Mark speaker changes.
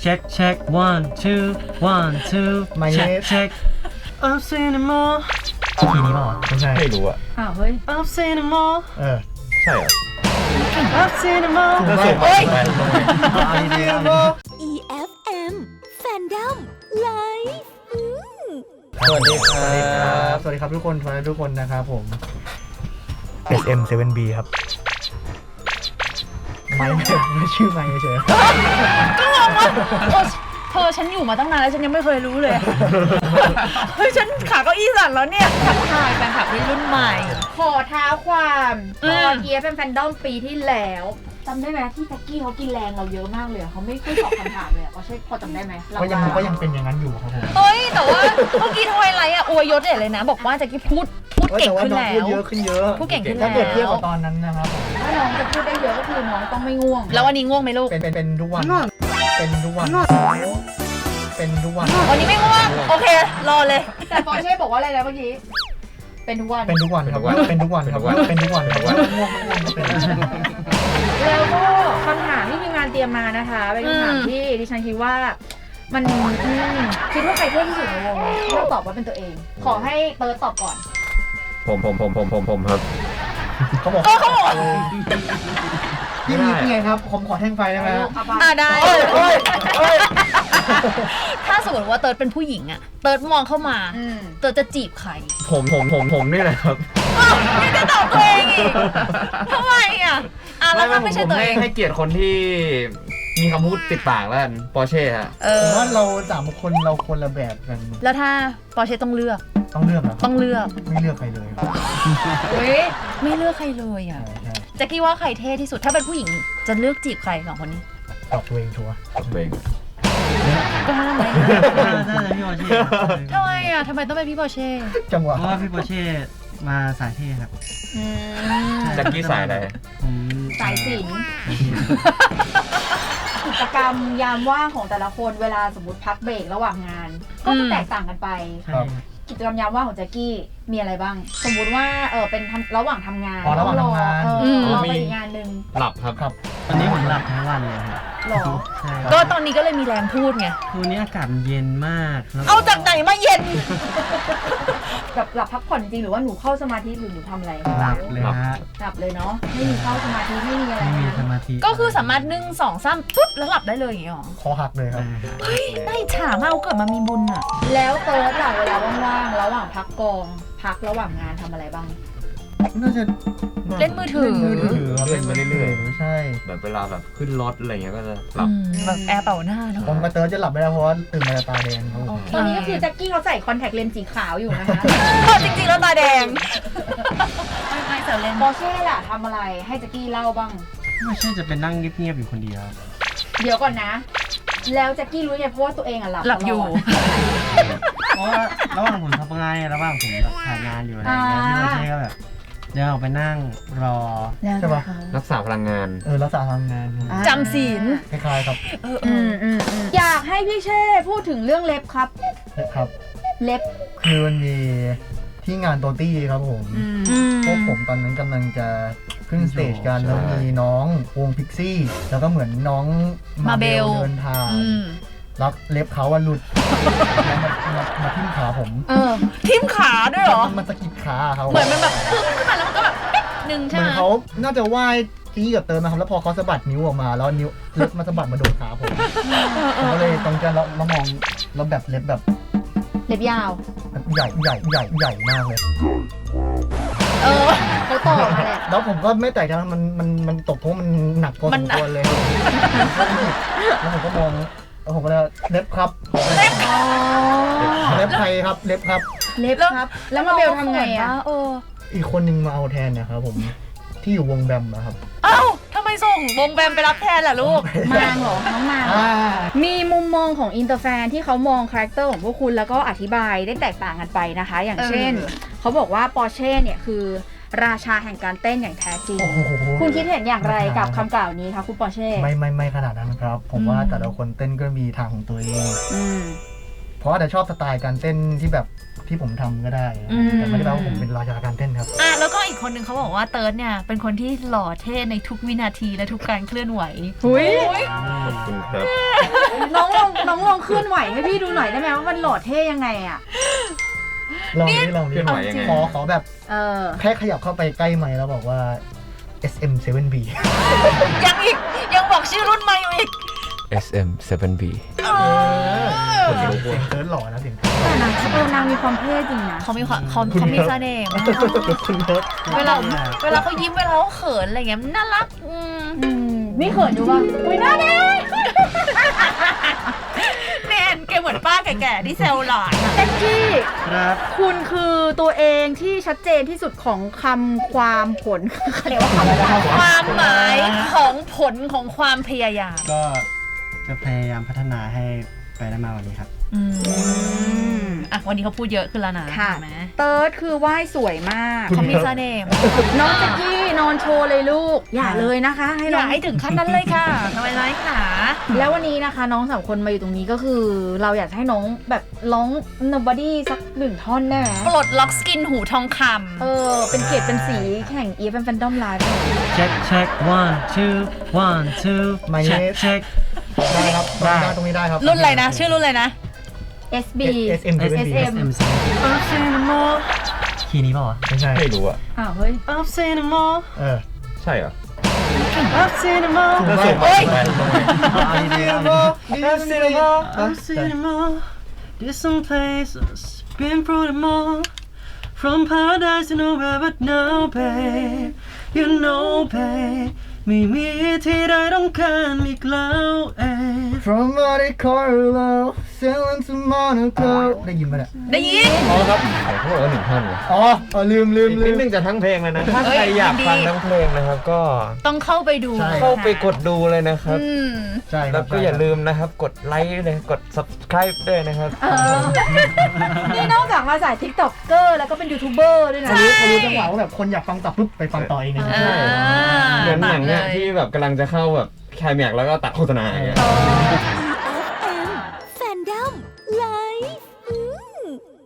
Speaker 1: check check 1 2 1 2 check check I've seen them all ทีนี้เปล่าไม่ใช่
Speaker 2: ไม่รู้อ่ะ
Speaker 3: เฮ้ย
Speaker 1: I've seen them all
Speaker 2: ใช่เหรอ
Speaker 1: I've seen them all
Speaker 2: เฮ้ย
Speaker 4: EFM Fandom Live
Speaker 2: สวัสดีครับ
Speaker 5: สวัสดีครับทุกคนทุกคนนะครับผม SM7B ครับไม่ชื่อไม่เฉย
Speaker 3: ก็งงว่าเธอฉันอยู่มาตั้งนานแล้วฉันยังไม่เคยรู้เลยเฮ้ยฉันขาเก้าอี้สั่นแล้วเนี่ยทักทายแฟนคลับรุ่นใหม่
Speaker 6: ขอท้าความตอนEFM Fandom ปีที่แล้วจำได้ไหมที่แจ็คกี้เขากินแรงเราเยอะมากเลยเขาไม่ค่อยตอบคำถามเลยเขาใช่พอจำได้ไหม
Speaker 5: ก็ยังเป็นอย่างนั้นอยู่ครับผม
Speaker 3: เฮ้ยแต่ว่าเมื่อกี้ทวายไลท์อวยยศเลยนะบอกว่าแจ็คกี้พูดเก่งขึ้นแล้ว
Speaker 5: พูดเยอะขึ้นเยอะ
Speaker 3: พูดเก่งขึ้นแล้ว
Speaker 5: ถ้าเกิดเทียบกับตอนนั้นนะครับ
Speaker 6: ถ้าน้องจะพูดได้เยอะก็คือน้องต้องไม่ง่วง
Speaker 3: แล้ววันนี้ง่วงไหมลูก
Speaker 5: เป็นทุกวันเป็นทุกวัน
Speaker 3: วันนี้ไม่ง่วงโอเครอเลย
Speaker 6: แต่ปอเช่บอกว่าอะไรนะเมื่อกี้เป็นทุกวัน
Speaker 5: ครับเป็นทุกวันครับง่วงเป็น
Speaker 6: แล้วก็คำถามที่ทีมงานเตรียมมานะคะเป็นคำถามที่ดิฉันคิดว่ามันคิดว่าใครเท่ที่สุดในวงเลือกตอบว่าเป็นตัวเองขอให้เติร์ดตอบก่อน
Speaker 2: ผมครับ
Speaker 5: เขาบอกพี่ไงครับผมขอแท่งไฟได้ไหม
Speaker 3: ได้ถ้าสมมติว่าเติร์ดเป็นผู้หญิงอะเติร์ดมองเข้ามาเติร์ดจะจีบใคร
Speaker 2: ผมนี่แหละครับ
Speaker 3: ไม่ได้ตอบตัวเองอีกทำไมอะแล้วถ้าไม่ใช่ตัวเอง
Speaker 2: ให้เกียรติคนที่มีคำพูดติดปากแล้วกันปอร์เช่ฮะ
Speaker 5: ผมว่าเรา3คนเราคนละแบบกัน
Speaker 3: แล้วถ้าปอร์เช่ต้องเลือก
Speaker 5: เหรอ
Speaker 3: ต้องเลือก
Speaker 5: ไม่เลือกใครเลย
Speaker 3: ไม่เลือกใครเลยอ่ะแจ็คกี้ว่าใครเท่ที่สุดถ้าเป็นผู้หญิงจะเลือกจีบใคร2คนนี้
Speaker 5: ตอบตัวเองชัวร์
Speaker 2: ตอบตัวเอง
Speaker 3: ก็ทำไม
Speaker 1: พี่ปอเช่
Speaker 3: ทำไมอ่ะทำไมต้องเป็นพี่ปอเช่
Speaker 5: จังหวะ
Speaker 1: เพราะว่าพี่ปอเช่มาสายเท่ครับ
Speaker 2: แจ็คกี้สายอะไร
Speaker 1: ผม
Speaker 6: สายศิลป์กิจกรรมยามว่างของแต่ละคนเวลาสมมติพักเบรกระหว่างงานก็จะแตกต่างกันไปกิจกรรมยามว่างของแจ็คกี้มีอะไรบ้างสมมุติว่าเป็นระหว่างทำงาน
Speaker 5: ระหว่างทำงาน
Speaker 6: ไปอีกงานนึง
Speaker 2: หลับครับ
Speaker 1: ตอนนี้ผมหลับทั้งวันเลยครับ
Speaker 3: ก็ตอนนี้ก็เลยมีแรงพูดไง
Speaker 1: คืนนี้อากาศเย็นมาก
Speaker 3: เอาจากไหนมาเย็น
Speaker 6: แบบหลับพักผ่อนจริงหรือว่าหนูเข้าสมาธิหรือหนูทำอะไร
Speaker 1: หลับเลยฮะ
Speaker 6: หลับเลยเนาะไม่มีเข้าสมาธิไม่มีอะไร
Speaker 1: ไม่มีสมาธิ
Speaker 3: ก็คือสามารถ1 2 3ปุ๊บแล้วหลับได้เลยอย่างเงี้ยหรอ
Speaker 5: คอหักเลยครับ
Speaker 3: เฮ้ยได้ฉามาเอาเกิดมามีบุญอ่ะ
Speaker 6: แล้วเติร์ดเวลาว่างๆระหว่างพักกองพักระหว่างงานทำอะไรบ้าง
Speaker 5: น่าจะ
Speaker 3: เล่นมือถือ
Speaker 5: เล่นไปเรื่อยๆใช่
Speaker 2: แบบเวลาแบบขึ้นรถอะไรเงี้ยก็จะหลับ
Speaker 3: แบบแอร์เป่าหน้าเนาะ
Speaker 5: ผมกับเติร์ดจะหลับไม่ได้เพราะว่าตื่นมาตาแดง
Speaker 6: ตอนนี้ก็คือแจ็คกี้เขาใส่คอนแทคเลนส์สีขาวอยู่นะคะ
Speaker 3: จริงๆแล้วตาแดงไม่เสร็จเลน
Speaker 6: ปอร์เช่ล่ะทำอะไรให้แจ็คกี้เล่าบ้าง
Speaker 1: ไม่ใช่จะเป็นนั่งเงียบๆอยู่คนเดียว
Speaker 6: เดี๋ยวก่อนนะแล้วแจ็คกี้รู้ไงเพราะว่าตัวเองหลับ
Speaker 3: อยู่
Speaker 1: เพราะว่าระหว่างผมทำงานระหว่างผมถ่ายงานอยู่อะไรอย่างเงี้ยพี่ปอเช่ก็แบบเดี๋ยวออกไปนั่งรอ
Speaker 5: ใช่ปะ
Speaker 2: รักษาพลังงาน
Speaker 5: รักษาพลังงาน
Speaker 3: จำศีล
Speaker 5: คล้ายๆครับ
Speaker 6: อยากให้พี่เช่พูดถึงเรื่องเล็บครับเล็บ
Speaker 5: คือมันมีที่งานโตตี้ครับผมพวกผมตอนนั้นกำลังจะขึ้นสเตจกันแล้วมีน้องวงพิกซี่แล้วก็เหมือนน้องมาเบลเดินทางรักเล็บเขาหลุดมาทิ่มขาผม
Speaker 3: ทิ่มขาด้วยเหรอ
Speaker 5: มันสะกิดขาเขา
Speaker 3: เหมือนมันแบบพึ่งขึ้นมาแล้วมันก็แบบนึงใช่ไหม
Speaker 5: เขาน่าจะว่ายตีกับเติมนะครับแล้วพอเขาสะบัดนิ้วออกมาแล้วนิ้วเล็บมาสะบัดมาโดนขาผมก็เลยตรงกันแล้วมองแล้วแบบเล็บ
Speaker 6: ยาว
Speaker 5: ใหญ่มากเลย
Speaker 6: เขาตอบมาแหละ
Speaker 5: แล้วผมก็ไม่แตกใจมันตกเพราะมันหนักพอสมควรเลยแล้วผมก็มองแล้วผมก็เลยเล็บครับเล็บใครครับเล็บครับ
Speaker 6: แล้วมาเบลทำไงอ่ะ
Speaker 5: อีกคนนึงมาเอาแทนนะครับผมที่อยู่วงแบมนะครับ
Speaker 3: ทำไมส่งวงแบมไปรับแทนล่ะลูก
Speaker 6: มางเหรอน้องมางมีมุมมองของอินเตอร์แฟนที่เขามองคาแรคเตอร์ของพวกคุณแล้วก็อธิบายได้แตกต่างกันไปนะคะอย่างเช่นเขาบอกว่าปอร์เช่เนี่ยคือราชาแห่งการเต้นอย่างแท้จริงคุณคิดเห็นอย่างไรกับคำกล่าวนี้คะคุณปอร์เช่
Speaker 5: ไม่ขนาดนั้นครับผมว่าแต่ละคนเต้นก็มีทางของตัวเองเพราะว่าแต่ชอบสไตล์การเต้นที่แบบที่ผมทำก็ได้แต่ไม่ได้แปลว่าผมเป็นราชาการเต้นครับ
Speaker 3: แล้วก็อีกคนนึงเขาบอกว่าเติร์ดเนี่ยเป็นคนที่หล่อเท่ในทุกวินาทีและทุกการเคลื่อนไหว
Speaker 6: หุย
Speaker 2: ขอบคุณครับ
Speaker 6: น้องลองเคลื่อนไหวให้พี่ดูหน่อยได้ไหมว่ามันหล่อเท่ยังไงอ่ะ
Speaker 5: ลองดิ
Speaker 2: เคลื่อนไหวยังไง
Speaker 5: ขอแบบ แค่ขยับเข้าไปใกล้ไมค์แล้วบอกว่า SM7B
Speaker 3: ยังบอกชื่อรุ่นมาอยู่อีก
Speaker 2: SM7B
Speaker 5: เสียงเติร์ดหล่อนะเสียงเติร์ด
Speaker 6: แต่นางมีความเท่จริงนะ
Speaker 3: เขามีความเขามีเสน่ห์มาก
Speaker 5: คุณเติร์ด
Speaker 3: เวลาเขายิ้มเวลาเขาเขินอะไรเงี้ยน่ารัก
Speaker 6: นี่เขินอยู่ป่ะอุ้ยน่ารัก
Speaker 3: แนนแกเหมือนป้าแก่ๆที่แซวหลานอะ
Speaker 6: เต็กกี้
Speaker 1: ครับ
Speaker 6: คุณคือตัวเองที่ชัดเจนที่สุดของคำความผลเขาเรียกว่าคำอะไร
Speaker 3: ความหมายของผลของความพยายาม
Speaker 1: ก็จะพยายามพัฒนาให้ไปได้มากกว่านี้ครับ
Speaker 3: วันนี้เขาพูดเยอะขึ้นแล้วนะ
Speaker 6: ค่ะ
Speaker 3: เห็นไหม
Speaker 6: เติร์ดคือไหว้สวยมาก
Speaker 3: เขามีเสน่ห์มาก
Speaker 6: น้องเต็กกี้นอนโชว์เลยลูก อย่าเลยนะคะ ให้
Speaker 3: อ
Speaker 6: น้
Speaker 3: ย่า
Speaker 6: อง
Speaker 3: ให้ถึงขั้นนั้นเลยค่ะทำไมร้ายขา
Speaker 6: แล้ววันนี้นะคะ น้องสามคนมาอยู่ตรงนี้ก็คือ เราอยากให้น้องแบบร้อง Nobody สักหนึ่งท่อนได้ไหม
Speaker 3: ปลดล็อกสกินหูทองค
Speaker 6: เป็นเกียรติเป็นสีแข่ง EFM Fandom Live
Speaker 1: check check 1 2 1 2
Speaker 5: My
Speaker 1: check
Speaker 5: name
Speaker 1: check
Speaker 5: ได้ครับตรงนี้ได้ครับ
Speaker 3: ำรุ่นอะไรนะ ชื่อรุ่นอะไรนะ
Speaker 6: SB
Speaker 5: SM7B
Speaker 6: SM
Speaker 1: I've seen them all คีย์นี้เปล่าวะ
Speaker 5: ไม่ใช่
Speaker 2: ไม่รู้อ่ะ
Speaker 6: อ้าวเฮ้ย
Speaker 1: I've seen them all
Speaker 2: ใช่เหรอ
Speaker 1: I've seen them all
Speaker 5: ถูก
Speaker 2: ส่ง
Speaker 5: มาก
Speaker 2: ไปส่งไป
Speaker 1: I've seen them all I've seen them all I've seen them all There's some places been through them all From paradise to nowhere but now babe You know babe ไม่มีที่ใดต้องการอีกแล้วเอง
Speaker 5: From Monte Carlo sailing to Monaco ได้ยินปะเนี่ย
Speaker 3: ได้ยิน
Speaker 2: อ๋อครับเขาบอกว่า1 ท่อนเลย
Speaker 5: อ๋อลืม
Speaker 2: อีกนิดนึงจะทั้งเพลงเลยนะ ถ้าใครอยากฟังทั้งเพลงนะครับ ก็
Speaker 3: ต้องเข้าไปดู
Speaker 5: ใช่
Speaker 2: เข้าไปกดดูเลยนะครับ
Speaker 5: ใช่ค
Speaker 2: แล้
Speaker 5: รั
Speaker 2: ว
Speaker 5: บ
Speaker 2: ก็อย่าลืมนะครับ กดไลค์เลยกด subscribe ด้วยนะครับ
Speaker 6: นี่นอกจากมาสาย TikToker แล้วก็เป็นยูทูบเบอร์ด้วยนะ
Speaker 5: เขารู้จังหวะว่าแบบคนอยากฟังต่อปุ๊บไปฟังต่อเองเลย
Speaker 3: อ่า
Speaker 2: เหมือนหนังเนี่ย
Speaker 3: ตัดเลย
Speaker 2: ที่แบบกำลังจะเข้าแบบคลายแม็กซ์แล้วก็ตัดโฆษณาอย่างเงี้ย
Speaker 6: เออ